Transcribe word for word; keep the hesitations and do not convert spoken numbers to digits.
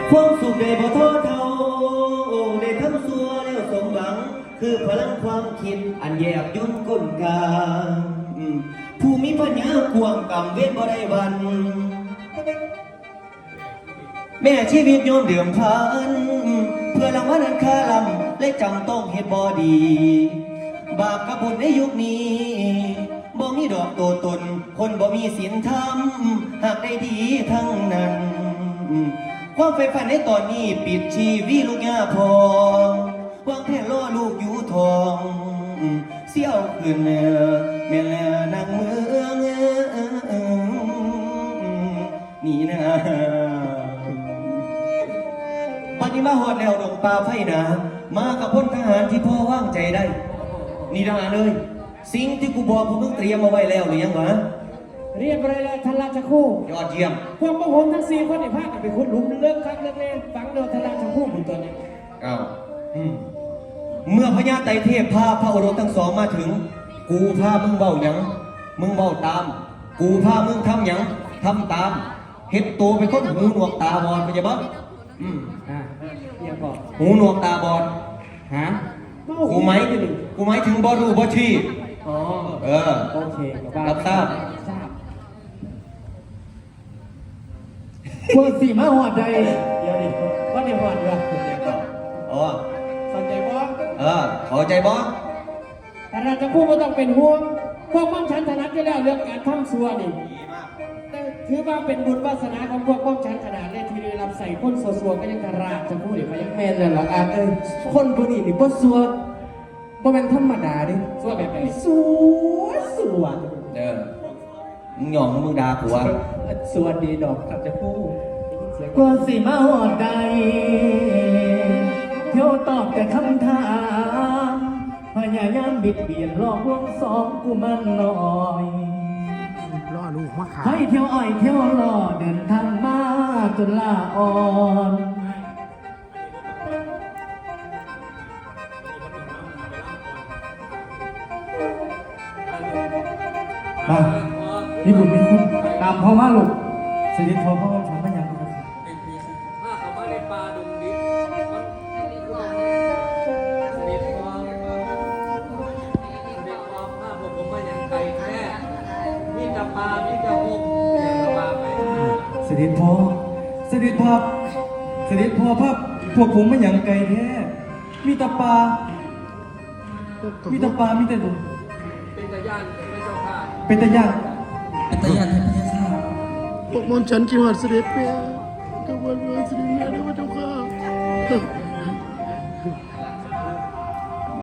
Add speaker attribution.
Speaker 1: ความสุขได้บ่ท้อเท่าได้ทำสัวแล้วสมหวังคือพลังความคิดอันแยบยลก้นกลางผู้มีปัญญากวางกำเวทบ่ได้วันแม่ชีวิตโยมเดือมพันเพื่อรางวัลอันค่าลำและจำต้องเฮ็ดบ่ดีบาปกับบุญในยุคนี้บ่มีดอกโตตนคนบ่มีศีลธรรมหากได้ดีทั้งนั้นความใฝ่ฝันในตอนนี้ปิดชีวิตลูกย่าพองวางแผนล่อลูกอยู่ทองเสี่ยวขึ้นแม่นางเมืองนี่นะวันนี้มาหอดแล้วดงป่าไฟหนามากับพลทหารที่พ่อว่างใจได้นี่ทหารเลยสิ่งที่กูบอกพวกมึงเตรียมมาไว้แล้วหรือยังวะ
Speaker 2: เรียบร้อยแล้วท่านราชครู
Speaker 1: ยอดเยี่ยม
Speaker 2: พวกพวกผมทั้งสี่คนในภาคกันไปคุณลุมเลิกครั้งเลิกเล่นฟังเดียวท่านราชครูผมตัวนี้
Speaker 1: อ้าวเมื่อพญาไตรเทพพาพระโอรสทั้งสองมาถึงกูพามึงเบ้าหยังมึงเบ้าตามกูพามึงทำหยังทำตามเฮ็ดตัวเป็นคนหูหนวกตาบอดไปจะบ้างอืม
Speaker 2: อ่าเรียกก่อน
Speaker 1: หูหนวกตาบอดฮะกูไหมกูไหมถึงบอรูบอชี
Speaker 2: อ๋อ
Speaker 1: เออ
Speaker 2: โอเค
Speaker 1: รับทราบ
Speaker 2: ทราบพวกสี่มาหอดใจเดี๋ยวดิว่าเดี๋ยวหอดเดี๋ยว
Speaker 1: อ๋อ
Speaker 2: สนใจบ้าง
Speaker 1: เออขอใจบ้าง
Speaker 2: แต่เราจะพูดว่าต้องเป็นห่วงพวกม่อมฉันถนัดอยู่แล้วเรื่องการทำซัวนี่ถือว่าเป็นบุญวาสนาของพวกม่อมฉันขนาดเลยที่ได้รับใส่คนซัวๆก็ยังกระราบจะพูดหรือเขายังแมนเลยหรออาเอ้ยคนพวกนี้นี่บ่ซัวบ่เป็นธรรมดาดิซัวแบบไหนซัวซัว
Speaker 1: เออมึงหย่องมึงด่าผัว
Speaker 2: สวัสดีดอกครับจะพูด
Speaker 3: กว่าสิมาหอดใดเที่ยวตอบแต่คำถามพยายามบิดเบียนหลอกลวงสองกูมันน้อย
Speaker 4: ล่อลูกมาขา
Speaker 3: ให้เที่ยวอ้อยเที่ยวหล่อเดินทางมาจนลาอ่อนมานี่บุญมีคุณตามพ่อมาลูกสนิทพ่อพ่อฉันไม่ยังครับ
Speaker 2: มาเข้ามาในป่าดงดิบสนิทพ่อสนิทพ่อมาผมผมมาอย่างไก่แท้มีแต่ปลามีแต่หงอย่างละว่าไป
Speaker 3: สนิทพ่อสนิทพ่อสนิทพ่อพ่อพวกผมไม่ยังไก่แท้มีแต่ปลามีแต่ปลามีแต่ดุ
Speaker 2: เป็นตะย่านเป็นเจ้าข้า
Speaker 3: เป็นตะย่าน
Speaker 1: เป็นตะย่านเป็นตะย่าน
Speaker 4: พวกมนฉันกินหอดเสด็จเปียกับวันวันเสด็จเมียด้วยเจ้าค่ะ